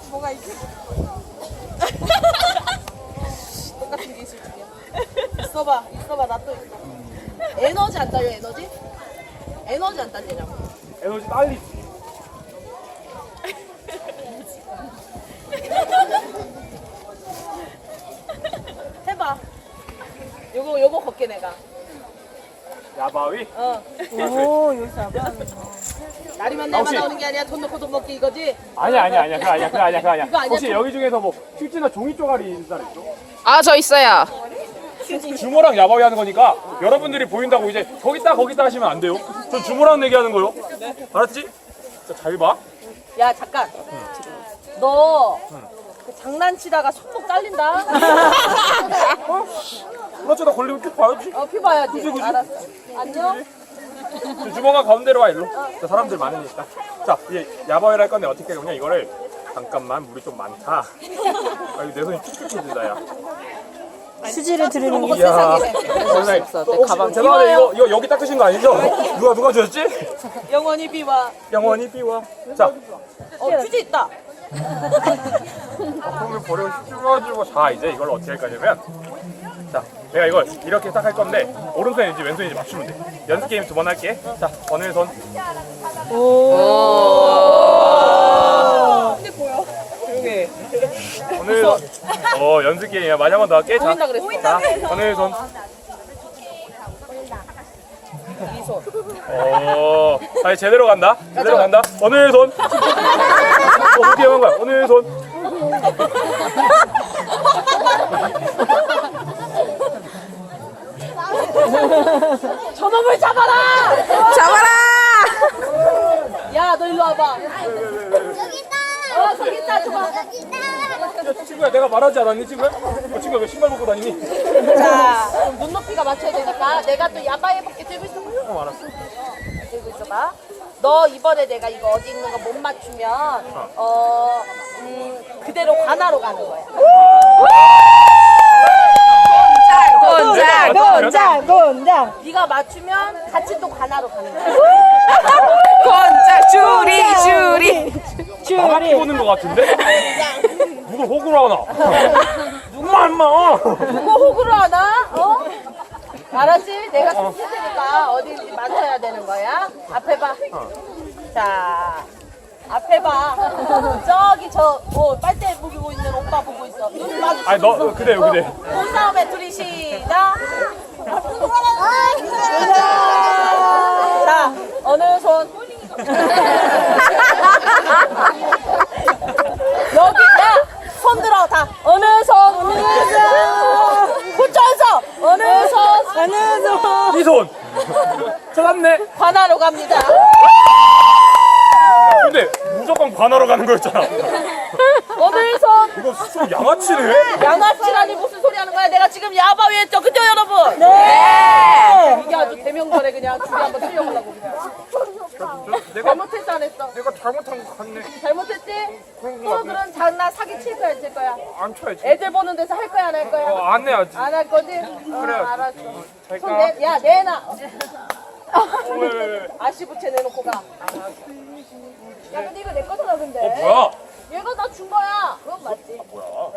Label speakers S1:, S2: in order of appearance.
S1: 뭐가 있지? 똑같은 게 있을 줄이야. 있어봐, 나 또 있어. 에너지 안 딸려, 에너지? 에너지 안 딸리냐고.
S2: 에너지 딸리지.
S1: 해봐. 요거 걷게 내가.
S2: 야바위?
S1: 어.
S3: 오, 여기서 아빠.
S1: 날이면 날만
S2: 혹시-
S1: 나오는 게 아니야. 돈 넣고 돈 먹기 이거지?
S2: 아니야. 그거 아니야.
S1: 이거 아니야?
S2: 혹시 여기 중에서 뭐 휴지나 종이 쪼가리 있는 사람 있어?
S4: 아, 저 있어요.
S2: 주모랑 야바위 하는 거니까 여러분들이 보인다고 이제 거기다 하시면 안 돼요. 전 주모랑 얘기하는 거요. 알았지? 자, 잘 봐.
S1: 야, 잠깐. 너 그 장난치다가 손목 잘린다?
S2: 그렇죠. 나 걸리면 쭉 봐야지.
S1: 피 봐야지.
S2: 그치.
S1: 알았어. 안녕?
S2: 저 주모가 가운데로 와, 일로. 자, 사람들 많으니까. 자, 이제 야바위를 할 건데 어떻게 할 거냐. 이거를 잠깐만, 물이 좀 많다. 아, 이거 내 손이 툭툭해진다, 야.
S3: 수지를 들으는 게.
S2: 이야.
S4: 내 가방.
S2: 죄송한데 이거 여기 닦으신 거 아니죠? 누가 주셨지?
S1: 영원히 비와.
S2: 영원히 비와. 자,
S1: 휴지 있다.
S2: 그러면 버리고 씹어가지고 자 이제 이걸 어떻게 할 거냐면 자 내가 이걸 이렇게 딱 할 건데 오른손인지 왼손인지 맞추면 돼. 연습 게임 2번 할게. 자 어느 손?
S1: 근데 보여.
S2: 조용히. 어느 손? 연습 게임이야. 많이 한 번 더 할게. 자,
S1: 보인다 그랬어.
S2: 자 어느 손?
S1: 이 손.
S2: 아니 제대로 간다. 제대로 간다. 어느 손? 어떻게 한 거야? 어느 손?
S1: 저놈을 잡아라!
S4: 잡아라!
S1: 야, 너 일로 와봐. 저기 있다, 줘봐.
S2: 야, 친구야 내가 말하지 않았니 친구야? 친구야 왜 신발 벗고 다니니?
S1: 자, 그럼 눈높이가 맞춰야 되니까 내가 또 야바이 해볼게. 들고 있어.
S2: 알았어.
S1: 들고 있어봐. 너 이번에 내가 이거 어디 있는 거 못 맞추면 그대로 관하로 가는 거야.
S3: 곤장.
S1: 네가 맞추면 같이 또 관하로 가는 거야.
S4: 권장 줄이.
S2: 나만 끼고는 것 같은데? 누굴 호구로 하나? 누구만 임마!
S1: 누구 호구로 하나? 알았지? 내가 좀 테니까 어디인지 맞춰야 되는 거야. 앞에 봐. 자, 앞에 봐. 저기 빨대 보고 있는 오빠 보고 있어. 눈 마주치고
S2: 아니 너
S1: 있어.
S2: 그대요.
S1: 몸싸움에 둘이 시작. 자, 어느 손? 여기, 야! 손 들어, 다. 어느 손? 붙여서! 어느 손?
S2: 이 손! 찾았네!
S1: 관하로 갑니다.
S2: 근데 무조건 관하러 가는 거였잖아.
S1: 어느 손?
S2: 이거 좀 양아치네?
S1: 양아치라니 무슨 소리 하는 거야? 내가 지금 야바위 했죠? 그죠, 여러분? 네! 이게 아주 대명절에 그냥 둘이 한번 틀려보려고 그냥.
S2: 내가
S1: 잘못했어, 안 했어?
S2: 내가 잘못한 거 같네.
S1: 잘못했지?
S2: 그런
S1: 또
S2: 거 같네.
S1: 그런 장난 사기 칠 거야, 칠 거야?
S2: 안 쳐야지.
S1: 애들 보는 데서 할 거야, 안 할 거야?
S2: 안 해야지.
S1: 안 할 거지?
S2: 그래야지.
S1: 알았어.
S2: 잘
S1: 손
S2: 가.
S1: 야, 내놔.
S2: 왜.
S1: 아시부채 내놓고 가. 야, 근데 이거 내 거잖아, 근데.
S2: 뭐야?
S1: 얘가 나 준 거야. 그건 맞지?
S2: 뭐야?